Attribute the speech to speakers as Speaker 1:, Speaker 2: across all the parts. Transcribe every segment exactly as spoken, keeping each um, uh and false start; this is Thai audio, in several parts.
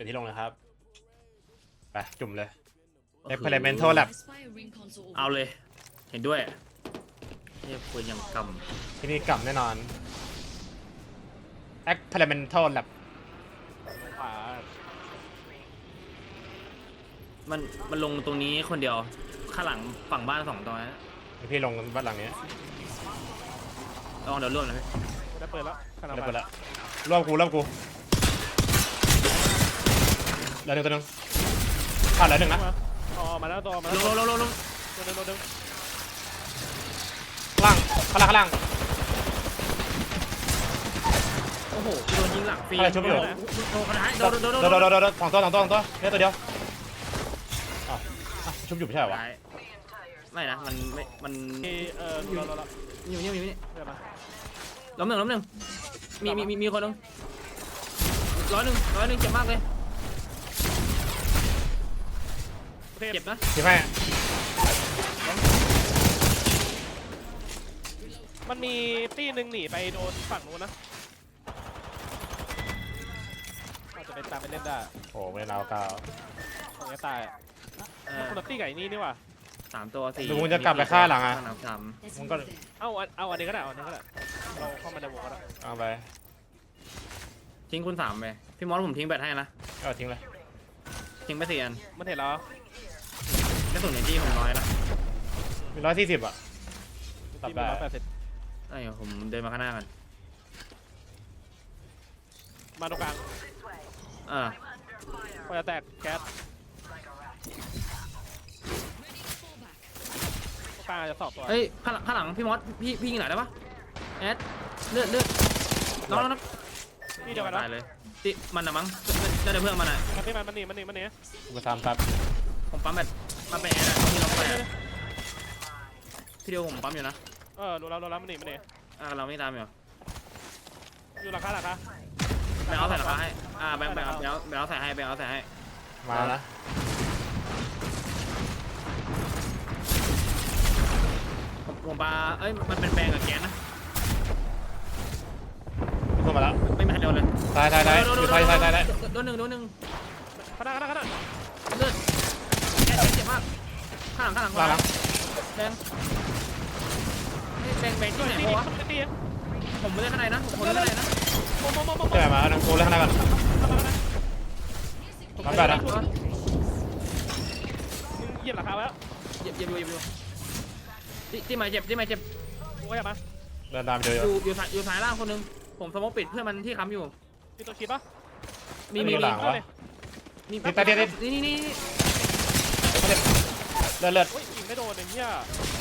Speaker 1: เป็นที่ลงเลยครับไปจุ่มเลย Experimental Lab
Speaker 2: เอาเลยเห็นด้วยเนี่ยปืนยังกำ
Speaker 1: ที่นี่กลับแน่นอน Experimental Lab
Speaker 3: ขวา
Speaker 2: มันมันลงตรงนี้คนเดียวข้างหลังฝั่งบ้านสองตัวนะ
Speaker 1: พี่ลงบ้านหลังนี้
Speaker 2: ลองเดี๋ยวร่วมนะพี่
Speaker 3: ได้เปิดแล้วขนาด
Speaker 1: เดี๋ยว
Speaker 3: ไป
Speaker 1: ไปละรอบกูรอบกูเหลือหนึ่งตัวหนึ่งขาดเหลือหนึ่งนะ
Speaker 3: อ๋อมาแล้วตัวมา
Speaker 2: ล
Speaker 3: แล้ว
Speaker 2: งลงลงลง
Speaker 3: ตัวนึงตัวนึง
Speaker 1: ข้างล่างข้างล่างข้างล่าง
Speaker 2: โอ้โหโดนยิงหลังฟรี
Speaker 1: อะไรชุบอยู่
Speaker 2: โดนกระทะโด
Speaker 1: โด
Speaker 2: น
Speaker 1: น
Speaker 2: โดน
Speaker 1: โด
Speaker 2: โด
Speaker 1: น
Speaker 2: น
Speaker 1: โดนโดนสองตัวสองตัวสองตัวเนี่ยตัวเดียวอ่ะอ่ะชุบอยู่ไม่ใช่เหรอวะ
Speaker 2: ไม่นะมันไม่มัน
Speaker 3: มีเออรู้แล้วรู้แล้ว
Speaker 2: อยู่นี่อยู่นี่
Speaker 3: เดี๋ยวมา
Speaker 2: ล้มหนึ่งล้มหนึ่งมีมีมีมีคนหนึ่งร้อยหนึ่งร้อยหนึ่งเจ็บมากเลย
Speaker 3: เทพ
Speaker 2: เจ็บนะ
Speaker 1: พี่แม่
Speaker 3: มันมีตี้หนึ่งหนีไปโดนฝั่งนู้นนะอาจจะเป็นตามไปเล่นได้
Speaker 1: โอ้ไม่เราเก้า
Speaker 3: ของจะตาย
Speaker 2: เอ
Speaker 3: มัน
Speaker 2: อ
Speaker 3: คนละตี้ไก่นี่นี่ว่ะ
Speaker 2: สามตัวสี่
Speaker 1: ดูมึงจะกลับไปฆ่าหลังอ่ะ
Speaker 2: สามสาม
Speaker 1: มึงก็
Speaker 3: เอ้าเอาอันนี้ก็ได้เอาอันนี้ก็ได้เราเข้ามาในวงก็ได้
Speaker 1: เอาไป
Speaker 2: ทิ้งคุณสามไปพี่มอสผมทิ้งแบตให้นะ
Speaker 1: ก็ทิ้งเลย
Speaker 2: ทิ้งไปสี่อัน
Speaker 3: มันเห็นแล้ว
Speaker 2: กระสุนในที่ผมน้อยนะ
Speaker 1: มีร้อยสี่สิบอ่ะตัด
Speaker 3: ตี
Speaker 1: ได้
Speaker 3: มีร้อยแปดสิบ
Speaker 2: เอ้ยผมเดินมาข้างหน้ากัน
Speaker 3: มาตรงกลาง
Speaker 2: อ่า
Speaker 3: พอจะแตกแก๊สตรงกลางอาจจะสอบตัว
Speaker 2: เอ้ยข้างหลังข้างหลังพี่มอสพี่พี่ยิงไหนได้ปะแอดเลือดเลือดน้องน้อง
Speaker 3: นี่เดียวกัน
Speaker 2: ตายเลยติมันนะมั้งน่าจะเพื่อนมันอ่ะ
Speaker 3: มันนี่มันนี่มันนี่มันนี่
Speaker 1: กูไปทำครับ
Speaker 2: ผมปั๊มแบตมาเป็นแอดอะที่เราไปอะพี่เดียวผมปั๊มอยู่นะ
Speaker 3: เออรู้แล้วรู้แล้วมันนี่มันนี่
Speaker 2: อ่าเราไม่ตามอยู่
Speaker 3: อยู่หลังคาหลังคา
Speaker 2: แบงค์เอาใส่ราคาให้อ่าแบงค์แบงค์เอาแบงค์แบงค์เอาใส่ให้แบงค์เอาใส่ให้
Speaker 1: มานะ
Speaker 2: ผมผมปาเอ้ยมันเป็นแบงค์กับแกนนะ
Speaker 1: ขึ้นมาแล้ว
Speaker 2: ไม่มีใครโดนเลย
Speaker 1: ตายตายตายอยู่ตายตายตายตาย
Speaker 2: โดนหนึ่งโดนหนึ่ง
Speaker 3: ขนาดขนาดขนาด
Speaker 2: เลือดแกนเจ็บมากข้างหลังข้างหลัง
Speaker 1: หลังหลัง
Speaker 2: แบงค์แบงค์แบงค์ที่ไหน
Speaker 3: ตี
Speaker 2: วะ
Speaker 3: ตีตี
Speaker 2: ผมไม่ได้ข้างในนะผมไม่ได้ข้างในนะ
Speaker 3: โมโมโมโม
Speaker 1: เดี๋ยวมาหนึ่งกูเล่นข้างหน้าก่อนรับแบบนะ
Speaker 3: เหยียบหลังคาแล้ว
Speaker 2: เหยียบเหยียบอยู่เหยียบอยู่ที่ที่มาเจ็บที่มาเจ็บ
Speaker 3: กูก็อย่ามา
Speaker 1: เดินตามเจอ
Speaker 2: อยู่อยู่สายอยู่สายล่างคนหนึงผมสมมติปิดเพื่อนมันที่ค้ำอยู่
Speaker 3: มีตัวคิดปะ
Speaker 2: มีมี
Speaker 1: หลั
Speaker 2: มี
Speaker 1: งวะ
Speaker 2: มี
Speaker 1: ติดตาเดียว
Speaker 2: นี่นี่นี่
Speaker 1: เลือดเลือด
Speaker 3: โอ้ยยิงไม่โดนไอ้เหี้ย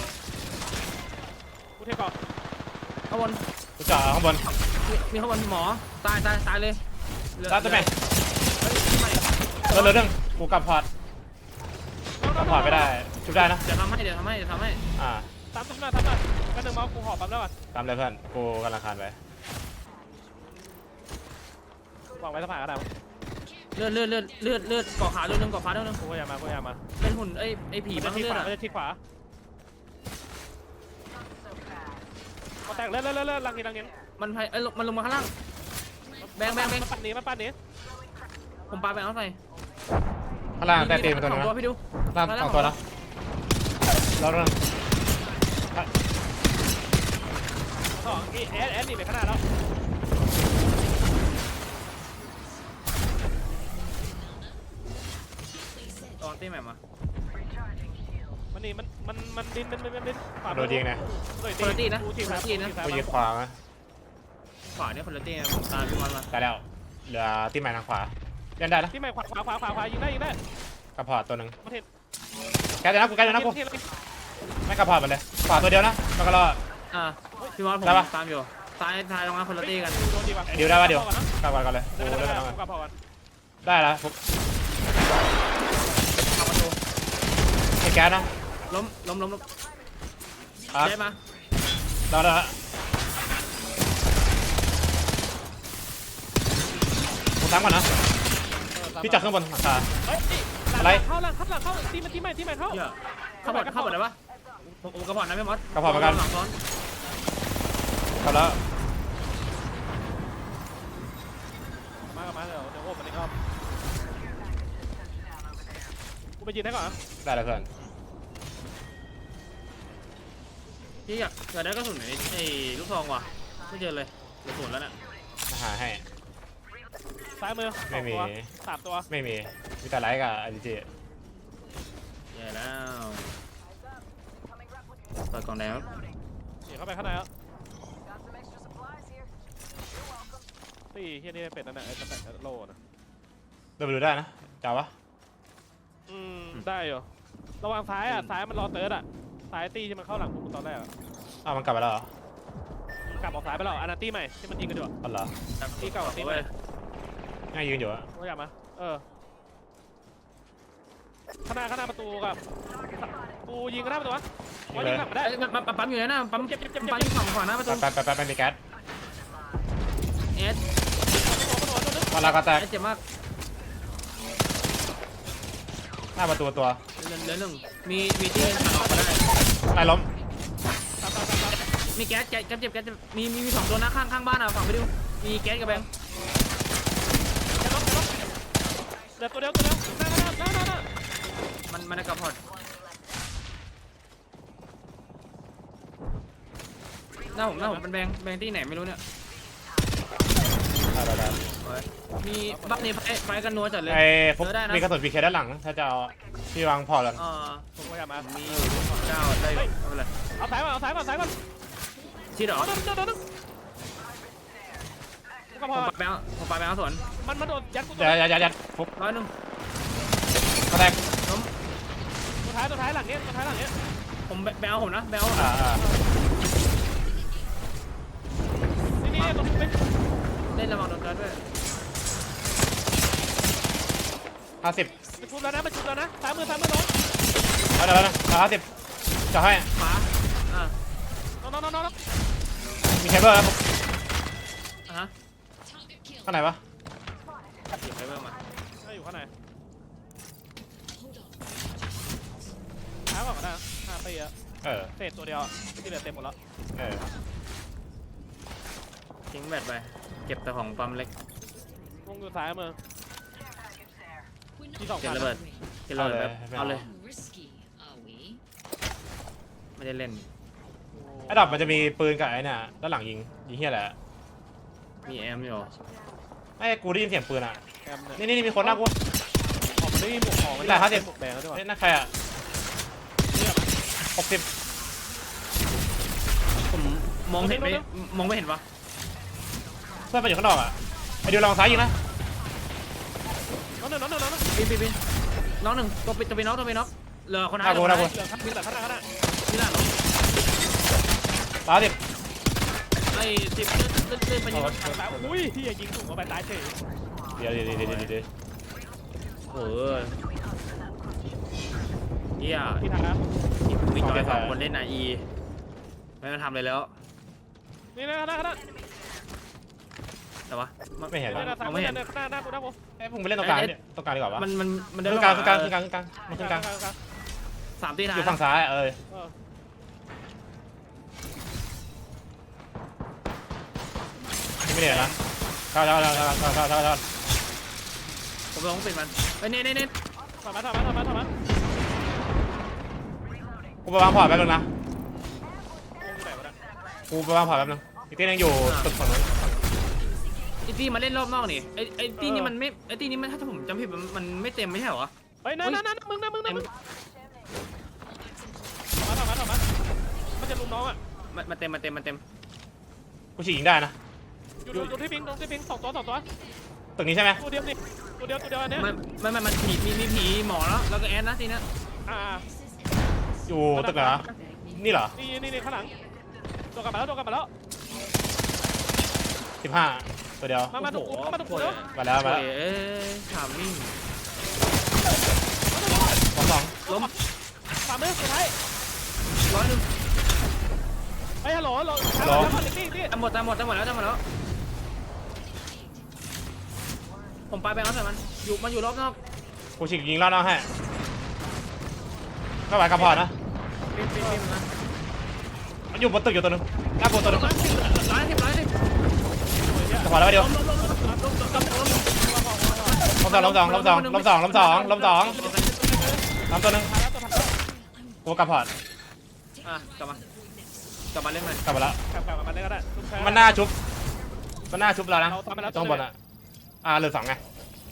Speaker 3: กูเทก่อน
Speaker 2: ข้างบน
Speaker 1: กูจ่อข้างบน
Speaker 2: มีมีข้างบนหมอตายตายตายเลยเหลือ
Speaker 1: ตายตัวไหน
Speaker 2: เฮ้ยไม่
Speaker 1: เลือดเลือดหนึ่งกูกลับพอร์ตกลับพอร์ตไม่ได้ชุบได้นะ
Speaker 2: เดี๋ยวทำให้เดี๋ยวทำให้เดี๋ยวทำให้
Speaker 1: อ่า
Speaker 3: ตามตุ้มหน้าตามหน้ากันหนึ่งเมาส์กูหอบปั๊มแล้วก่อน
Speaker 1: ตามเลยเพื่อนกูกำลังคานไป
Speaker 3: วางไว้สะพานก็ได้
Speaker 2: เลือดเลือดเลือดเลือดเลือดเกาะขาเลือดนึงเกาะขาเลือดนึง
Speaker 3: กูก็อย่ามากูอย่ามา
Speaker 2: เป็นหุ่นไอ้ไอ้ผี
Speaker 3: มั
Speaker 2: บ้าน ง
Speaker 3: จะที่
Speaker 2: เลือ
Speaker 3: ข
Speaker 2: ด
Speaker 3: วา
Speaker 2: อะ
Speaker 3: มันจะที่ขวามาแตกเลื่อนเลื่อนเลื่อนลังนี้ลังนี้
Speaker 2: มันไอ้ยมันลงมาข้างล่างแบงแบงแบง
Speaker 3: มาปัดนี้มาปัดนี้
Speaker 2: ผมปาแบงเอาใส่
Speaker 1: ข้างล่างแต่ตีมันตัว
Speaker 2: ส
Speaker 1: นึ
Speaker 2: อง
Speaker 1: ง
Speaker 2: ตัว
Speaker 1: นะ
Speaker 2: พี่ดู
Speaker 1: ล่างสองตัวนะแล้วเรื่อง
Speaker 3: สองอีแอดแอดหนีไปข้างหน้าแล้ว
Speaker 2: ตอนตีใหม่มา
Speaker 3: มันหนีมันมันมันดินมันมันดิน
Speaker 1: โดนยิงนะ
Speaker 2: คนละตีนะ
Speaker 3: กูที
Speaker 2: คนละตีนะ
Speaker 1: กูยิงขวาไหม
Speaker 2: ขวาเนี่ยคนละตีนะผมตามพี่มอนมา
Speaker 1: ตายแล้วเหลือที่ใหม่ทางขวาเล่นได้นะ
Speaker 3: ที่ใหม่ขวาขวาขวาขวาขวายิงได้ยิงได้
Speaker 1: กระพอร์ตตัวหนึ่ง
Speaker 3: มาเทน
Speaker 1: แกเดี๋ยวนะกูแกเดี๋ยวนะกูไม่กระพอร์ตมันเลยขวาตัวเดียวนะแล้วก็รอ
Speaker 2: อ่าพี่มอนผม
Speaker 1: ได้ปะ
Speaker 2: ตามอยู่ซ้ายซ้ายตรงนั้นคนละตีกัน
Speaker 3: โดนดีป่ะ
Speaker 1: เดี๋ยวได้ปะเดี๋ยวกลับก่อนก่อนเลยกู
Speaker 3: ได้
Speaker 1: เล่น
Speaker 3: ได้
Speaker 1: แล้ว
Speaker 3: กลับพอกัน
Speaker 1: ได้แล้วปุ๊บ
Speaker 2: เข้าประตู
Speaker 1: ไอ้แก๊สนะ
Speaker 2: ล้มล้มล้มล้ม
Speaker 1: อ่ะ
Speaker 2: ได้มา
Speaker 1: รอแล้วกูซ้ำก่อนนะพี่จับข้างบนหลังคา
Speaker 3: เฮ้ย
Speaker 1: อะไร
Speaker 3: เข้าหลังเข้าหลังเข้าตีมันตีใหม่ตีใหม่เข้า
Speaker 2: เยอะเข้าบอดเข้าบอดได้ปะผมผมกระพอดนะพี่มอส
Speaker 1: กระพอร์ตเหมือนกัน
Speaker 2: หลังซ้อน
Speaker 1: ครับแล้ว
Speaker 3: มากับมาเดี๋ยวเดี๋ยวโอ้มันอีกรอบไปยืนให้ก่อนนะ
Speaker 1: ได้แล้วเพื่อน
Speaker 2: พี่อยากอยากได้กระสุนไหนไอ้ลูกซองว่ะไม่เจอเลยกระสุนแล้วน่ะ
Speaker 1: หาให้
Speaker 3: ซ้ายมือส
Speaker 1: ไม่
Speaker 3: อง
Speaker 1: มี
Speaker 3: ตัวสามตัว
Speaker 1: ไม่มีมีแต่ไลท์กับไอจี
Speaker 2: แย่แล้วเปิดกล่องแดงครับ
Speaker 3: หนีเข้าไปข้างในแล้วตีเฮียนี่เป็ดนั่นแหละไอ้ตะแปะโลนะ
Speaker 1: เดินไปดูได้นะจ้าวะ
Speaker 3: อืมได้อยู่ระวังซ้ายอ่ะซ้ายมันรอเติร์ดอ่ะซ้ายตีที่มันเข้าหลังกูตอนแรกอ่ะ
Speaker 1: อ้าวมันกลับไปแล้วเหรอก
Speaker 3: ลับออกซ้ายไปแล้วอันนั้นตีใหม่ที่มันยิงกันอยู่อะ
Speaker 1: อ๋อเหรอ
Speaker 3: ตีเก่ากับตีใหม่
Speaker 1: ง่ายยืนอยู่อะ
Speaker 3: ว่ากลับมาเออข้างหน้าข้างหน้าประตูกับกูยิงข้างหน้าประตูวะว่ายิงกลับมาได้
Speaker 2: เอ้ยมันปั๊มอยู่ไหนนะปั๊ม
Speaker 3: เจ็บเจ็บเจ็บ
Speaker 2: ปั๊มอยู่ฝั่งขวาหน้าประตู
Speaker 1: แป๊บแป๊บแป๊บแป๊บมีแก๊ส
Speaker 2: เอส
Speaker 1: มาลากระแตก
Speaker 2: เอสเจ็บมาก
Speaker 1: หน้าประตูตัว
Speaker 2: เหลือเหลือหนึ่งมีมีที่หันออกมาได้
Speaker 1: นายล้ม
Speaker 3: ตามตามตามตาม
Speaker 2: มีแก๊สแก๊สแก๊สเจ็บแก๊สเจ็บมีมีมีสองตัวนะข้างข้างบ้านอ่ะฝั่งไปดูมีแก๊สกับแบงค์
Speaker 3: เดี๋ยวตัวเดียวตัวเดียวหน้าหน้าหน้าหน้าหน้า
Speaker 2: มันมันได้กระพอดหน้าผมหน้าผมเป็นแบงค์แบงค์ที่ไหนไม่รู้เนี่ย
Speaker 1: ได้ได้ได้
Speaker 2: มีบัฟนี่ไฟไฟกันนัวจัดเลย
Speaker 1: ไอ้ฟุก
Speaker 2: เจอได้นะ
Speaker 1: มีกระสุนพีเคด้านหลังถ้าจะเอาพี่วางพอร์ตกัน
Speaker 2: อ่า
Speaker 3: ผมก็อยากมา
Speaker 2: มีเก้าได้ไม่เป็นไร
Speaker 3: เอาสายมาเอาสายมาเอาสายมา
Speaker 2: ชิดเหรอ
Speaker 3: เอาเดินเดินเดินเดินก็
Speaker 2: ผ
Speaker 3: พอ
Speaker 2: มปาแบงค์ผมปาแบงค์สวน
Speaker 3: มันมันโดนยัดกู
Speaker 1: ยัดยัดยัดยัดฟุก
Speaker 2: ร้อยหนึ่ง
Speaker 1: กระแตก
Speaker 2: ล้ม
Speaker 3: ตัวท้ายตัวท้ายหลังเนี้ยตัวท้ายหลังเนี้ย
Speaker 2: ผมแบงค์ผมนะแบงค์ผม
Speaker 1: อ่า
Speaker 2: นะ
Speaker 1: อ่า
Speaker 3: นี่นี่ตรงนี้
Speaker 2: เล่นระวังโดนกันด้วย
Speaker 1: ห้าสิบ
Speaker 3: มันชุบแล้วนะมันชุบแล้วนะซ้ายมือซ้ายมือน้อง
Speaker 1: เอาเดี๋ยวนะเอาห้าสิบจะให้
Speaker 2: ขวาอ่า
Speaker 3: น้องน้องน้องน้อง
Speaker 1: มีเคเบิลแล้วฟุก
Speaker 2: อ่ะฮะ
Speaker 1: ข้างไหนวะ
Speaker 2: หยิบไปเพิ่มมา
Speaker 3: อยู่ข้างในท้ายก่อนก็ได้ห้าปีอะ
Speaker 1: เออ
Speaker 3: เศษตัวเดียวที่เหลือเต็มหมดแล้ว
Speaker 1: เออ
Speaker 2: ทิ้งแบตไปเก็บแต่ของปั๊มเล็ก
Speaker 3: วงอยู่ซ้ายมือที่สอง
Speaker 2: เก็บ
Speaker 3: พัน
Speaker 2: ระเบิดเก็บระเบิดแบบเอาเลย
Speaker 4: Risky, are we?
Speaker 2: ไม่ได้เล่น
Speaker 1: ไอ้ดอกมันจะมีปืนกับไอ้เนี่ยด้านหลังยิงยิงเฮียแหละ
Speaker 2: มีแอมอยู่
Speaker 1: ไอ้กูได้ยินเสียงปืนอ่ะ
Speaker 3: แอมเนี่ย
Speaker 1: นี่นี่มีคนหน้ากู
Speaker 3: ของมันไม่มีหมวกของมัน
Speaker 1: ได้ห้าสิบ
Speaker 3: หมวกแดงแล้วด้วย
Speaker 1: เฮ้ยนั่นใครอ่ะหกสิบ
Speaker 2: ผมมองเห็นไหมมองไม่เห็นปะ
Speaker 1: เพื่อนมันอยู่ข้างนอกอ่ะไอ้ดิวลองซ้ายยิงนะ
Speaker 3: น้องหนึ่งน้องหนึ่งน้องหนึ่ง
Speaker 2: ปีนปีนปีนน้องหนึ่งตัวปิดตัวปีนน้องตัวปีนน้องเหลือคน
Speaker 1: หน้ากูหน้ากู
Speaker 3: เหลือข้างเหลือข้างหน้าข้างหน้า
Speaker 2: ที่หน้าน้อง
Speaker 1: สามสิบ
Speaker 2: ไอ้สิบเลื่อนเลื่อนเลื่อนไปยิง
Speaker 3: ทางซ้ายอุ้ยที่ยิงถูกเข้าไปตายเฉย
Speaker 1: เดี๋ยวเดี๋ยวเดี๋ยวเดี๋ยวเดี๋ยว
Speaker 2: เออเฮีย
Speaker 3: ที่ทางนะ
Speaker 2: มีจอยสองคนเล่นนาอีไม่มาทำอะไรแล้ว
Speaker 3: นี่นะข้างหน้าข้างหน้า
Speaker 2: แต่ว่า
Speaker 1: ไม่เห็น
Speaker 2: ม
Speaker 1: แล้ว
Speaker 3: นี่นะซ้าย
Speaker 2: องไม่เห็น
Speaker 3: หน้าหน้ากูหน้ากู
Speaker 1: ไอ้พวกมึงไปเล่นตรงกลางเนี่ยตรงกลางดีกว่าวะ
Speaker 2: มันมันมัน
Speaker 1: ต
Speaker 2: เดิน
Speaker 1: รงกลางตรงกลางตรงกลางตรงกลางมันตรงกลาง
Speaker 2: สามตีท้า
Speaker 1: อย ยู่ฝั่งซ้ายเออ
Speaker 3: เออ
Speaker 1: ไม่ได้นะเข้าเข้าเข้าเข้าเข้าเข้าเข้าเข้า
Speaker 2: ผมลองปิดมันเฮ้ยเน่เน่เน่
Speaker 3: ถอยมาถอยมาถอยมาถอยมา
Speaker 1: กูไปวางพอร์ตแป๊บนึงนะ
Speaker 3: วงอยู่ไหนวะเนี่ย
Speaker 1: กูไปวางพอร์ตแป๊บนึงอีกที่นึงอยู่ตึกฝั่งนู้น
Speaker 2: ไอ้ตีมาเล่นรอบนอกนี่ไอ้ไอ้ตีนี่มันไม่ไอ้ตีนี่มันถ้าผมจำผิดมันมันไม่เต็มไม่ใช่เหรอ
Speaker 3: เฮ้ยนั่นนั่นนั่นมึงนะมึงนะมึงถอยมาถอยมาถอยมามันจะลุมน้องอ่ะ
Speaker 2: มันมันเต็มมันเต็มมันเต็ม
Speaker 1: กูฉีกยิงได้นะ
Speaker 3: อยู่อยู่ที่พิงตรงที่พิงสองตัวสองตัว
Speaker 1: ตึกนี้ใช่ไหม
Speaker 3: ตัวเดียวดิตัวเดียวตัวเดียวอันเนี้ย
Speaker 2: มันมันมันมันผีมีมีผีหมอแล้วแล้วก็แอนนะทีนี้
Speaker 3: อ่า
Speaker 1: อยู่ตึกเหรอนี่เหรอ
Speaker 3: นี่นี่นี่ข้างหลังตัวกลับมาแล้วตัวกลับมาแล้ว
Speaker 1: สิบห้าตัวเดียว
Speaker 3: มามาตรงกูมาตรงกูเนาะ
Speaker 1: มาแล้วมาแล้ว
Speaker 2: เอ้ยถามมิ่ง
Speaker 1: สองสอง
Speaker 2: ล้ม
Speaker 3: สามมือสุดท้าย
Speaker 2: ร้อยหนึ่ง
Speaker 3: เฮ้ยฮัลโหลฮัลโหลฮัลโหลฮัลโหลนี่นี่
Speaker 2: ตามหมดตามหมดตามหมดแล้วตามหมดแล้วผมไปแบงค์แล้วใส่มันอยู่มันอยู่รอบนอก
Speaker 1: กูฉีกยิงรอบนอกให้ก็ไหวกับพอร์ตนะ
Speaker 2: ปีนปีนปีนมา
Speaker 1: มันอยู่บนตึกอยู่ตัวนึงหน้ากูตัวนึง
Speaker 2: ร้อยสิบร้อยสิบร้อยสิบ
Speaker 1: จะพอแล้วเดียว
Speaker 2: ล้มล้มล้มล้มล้มล้มล้มล้ม
Speaker 1: ลบสองลบสองลบสองลบสองลบสองลบสอง
Speaker 2: ล
Speaker 1: ทำตัวหนึง
Speaker 3: ผ่านแล้วตัวผ่านแล้ว
Speaker 1: กูกลับพอร์ต
Speaker 2: อ่ะกลับมากลับมาเล่นใหม่
Speaker 1: กลับมาแล้ว
Speaker 3: กลับกลับกับมันได้ก็ได้ทุกครั้ง
Speaker 1: มันหน้าชุบมันหน้าชุบเรานะ
Speaker 3: เราทำไปแล้ว
Speaker 1: ต้องบนอ่ะอ่าเหลือสองไง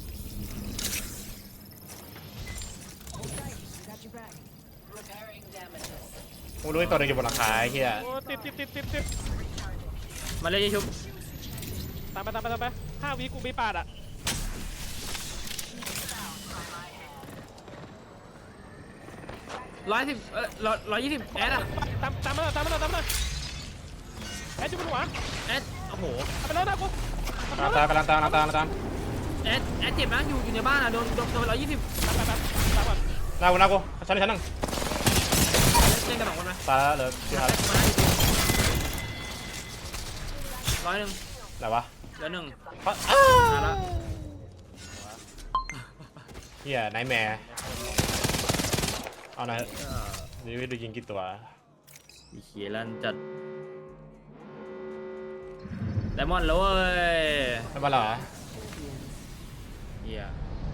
Speaker 1: กูรู้ไอ้ตัวหนึงอยู่บนหลังคาไอ้เหี้ย
Speaker 3: โอ้ติดติดติดติดติด
Speaker 2: มาเล่นยี่ชุบ
Speaker 3: ตามไปตามไปตามไปห้าวิกูมีปาดอ่ะ
Speaker 2: ร้อยสิบเออร้อยร้อยยี่สิบแอดอะ
Speaker 3: ตามตามมาหน่อยตามมาหน่อยตามมาหน่อยแอดจุ๊บหัว
Speaker 2: แอดโอ้โห
Speaker 3: เอาไปแล้วนะกู
Speaker 1: ตามตามกำลังตามกำลังตามกำลังตาม
Speaker 2: แอดแอดเจ็บนะอยู่อยู่ในบ้านอะโดนโดนโดนร้อยยี่สิบ
Speaker 3: ตามไปตามตามก่อน
Speaker 1: หน้ากูหน้ากูชั้นหนึ่งชั้นหนึ่ง
Speaker 2: เล่นกันสองคนไหม
Speaker 1: ตายแล้วเหลือที่
Speaker 2: มา
Speaker 1: ทัน
Speaker 2: ได้มาได้ร้อยหนึ่ง
Speaker 1: ไหนวะ
Speaker 2: เหลือหนึ่ง
Speaker 1: อ้า
Speaker 2: มาละ
Speaker 1: เหี้ยไนท์แมร์เอาหน่อยนี่วิดูยิงกี่ตัว
Speaker 2: อีเขียลันจัดไดมอนด์แล้วเว้ย
Speaker 1: ไม่มาเหรอ
Speaker 2: เฮีย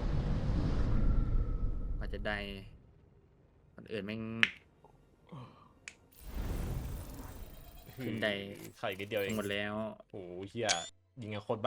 Speaker 2: อาจจะได้คนอื่นแม่ง ขึ้นใด
Speaker 1: ไข่นิดเดียวเอง
Speaker 2: หมดแล้ว
Speaker 1: โอ้โหเหี้ยยิงกันโคตรบ้า